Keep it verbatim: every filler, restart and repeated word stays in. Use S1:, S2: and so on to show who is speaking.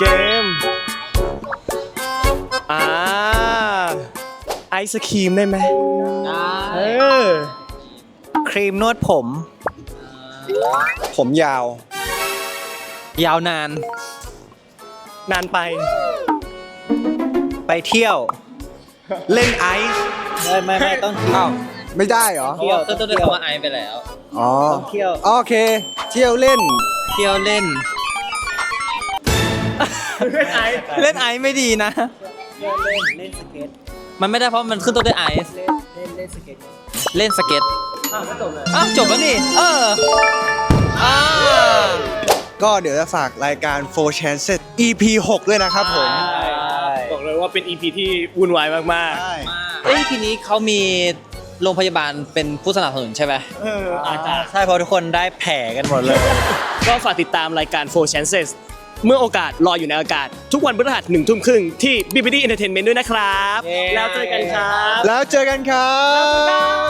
S1: เกมอ่าไอศครีมได้ไหมเออ
S2: ครีมนวดผม
S3: ผมยาว
S2: ยาวนาน
S1: นานไป
S2: ไปเที่ยว
S1: เล่นไอซ์
S2: ไม่ไม่ไม่ต้องเที่ยว
S3: ไม่ได้เหรอ
S2: เที่ยวก็ต้องเรียกว่าไอไปแล้ว
S3: อ๋อ
S2: ต้องเที่ยว
S3: โอเค เที่ยวเล่น
S2: เที่ยวเล่น
S1: เล่นไอซ์
S2: เล่นไอไม่ดีนะ
S4: เล่นเล่นสเก็ต
S2: มันไม่ได้เพราะมันขึ้นต้นด้วยไอซ์
S4: เล่นเล่นเล่นสเก็ต
S2: เล่นสเก็ต
S1: อ้าวก็จบเลย
S2: อ้าวจบแล้วนี่ เอออ่า
S3: ก็เดี๋ยวจะฝากรายการ โฟร์ Chances อี พี หกด้วยนะครับผม
S1: บอกเลยว่าเป็น อี พี ที่วุ่นวายมาก
S3: ใช่
S2: เอ้ยทีนี้เขามีโรงพยาบาลเป็นผู้สนับสนุนใช่ไหม
S1: ๆเอออาจจะ
S2: ใช่เพราะทุกคนได้แผลกันหมดเลย
S1: ก็ฝากติดตามรายการ โฟร์ Chances เมื่อโอกาสรออยู่ในอากาศ ทุกวันพฤหัสหนึ่งทุ่มครึ่งที่ บี บี ดี Entertainment ด้วยนะครับ
S2: เย้
S1: แล้วเจอกันครับ
S3: แล้วเจอกันครับ